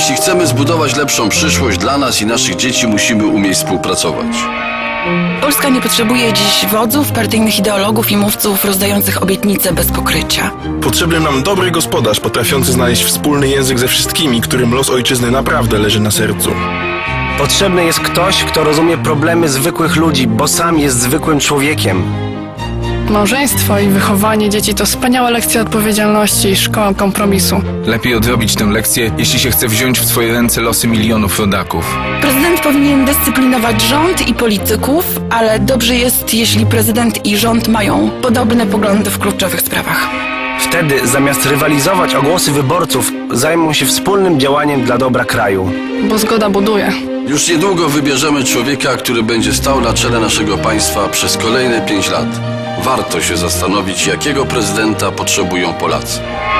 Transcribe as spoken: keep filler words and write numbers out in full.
Jeśli chcemy zbudować lepszą przyszłość dla nas i naszych dzieci, musimy umieć współpracować. Polska nie potrzebuje dziś wodzów, partyjnych ideologów i mówców rozdających obietnice bez pokrycia. Potrzebny nam dobry gospodarz, potrafiący znaleźć wspólny język ze wszystkimi, którym los ojczyzny naprawdę leży na sercu. Potrzebny jest ktoś, kto rozumie problemy zwykłych ludzi, bo sam jest zwykłym człowiekiem. Małżeństwo i wychowanie dzieci to wspaniała lekcja odpowiedzialności i szkoła kompromisu. Lepiej odrobić tę lekcję, jeśli się chce wziąć w swoje ręce losy milionów rodaków. Prezydent powinien dyscyplinować rząd i polityków, ale dobrze jest, jeśli prezydent i rząd mają podobne poglądy w kluczowych sprawach. Wtedy, zamiast rywalizować o głosy wyborców, zajmą się wspólnym działaniem dla dobra kraju. Bo zgoda buduje. Już niedługo wybierzemy człowieka, który będzie stał na czele naszego państwa przez kolejne pięć lat. Warto się zastanowić, jakiego prezydenta potrzebują Polacy.